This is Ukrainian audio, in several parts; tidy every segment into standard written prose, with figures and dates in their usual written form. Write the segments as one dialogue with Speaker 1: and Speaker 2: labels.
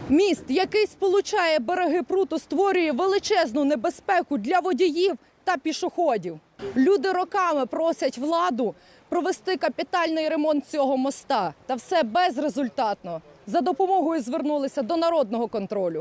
Speaker 1: Міст, який сполучає береги пруту, створює величезну небезпеку для водіїв та пішоходів. Люди роками просять владу провести капітальний ремонт цього моста. Та все безрезультатно. За допомогою звернулися до народного контролю.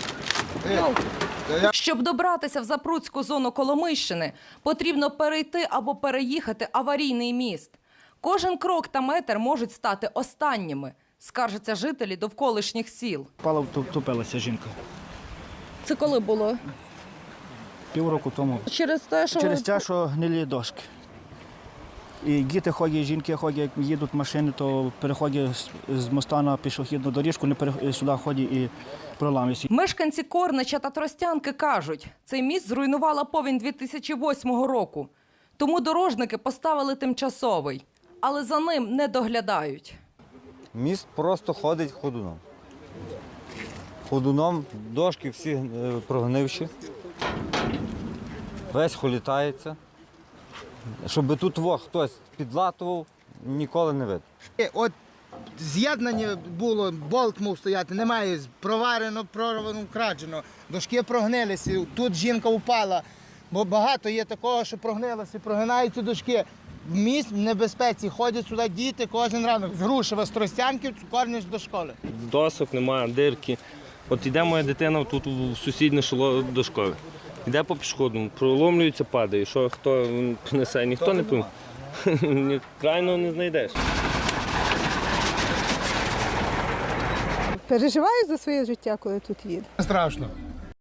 Speaker 1: Щоб добратися в Запруцьку зону Коломийщини, потрібно перейти або переїхати аварійний міст. Кожен крок та метр можуть стати останніми, скаржаться жителі довколишніх сіл.
Speaker 2: Впала, втопилася жінка.
Speaker 1: Це коли було?
Speaker 2: Півроку тому.
Speaker 1: Через те,
Speaker 2: що гнилі дошки. І діти ходять, жінки ходять, як їдуть машини, то переходять з моста на пішохідну доріжку, сюди ходять і проламуються.
Speaker 1: Мешканці Корнича та Тростянки кажуть, цей міст зруйнувала повінь 2008 року. Тому дорожники поставили тимчасовий, але за ним не доглядають.
Speaker 3: Міст просто ходить ходуном. Ходуном, дошки всі прогнивші, весь холітається. Щоб тут хтось підлатував, ніколи не видно.
Speaker 4: От з'єднання було, болт мав стояти, немає, проварено, прорвано, вкрадено, дошки прогнилися, тут жінка впала, бо багато є такого, що прогнилося, прогинаються дошки. Міст в небезпеці, ходять сюди діти кожен ранок з Грушева, з Тростянки, Корнич до школи.
Speaker 5: Досок немає, дирки. От іде моя дитина тут в сусіднє село до школи. Йде по пішохідному, проломлюється, падає. Що хто несе, ніхто не пойме. Крайного не знайдеш.
Speaker 6: Переживаю за своє життя, коли тут їду.
Speaker 4: Страшно.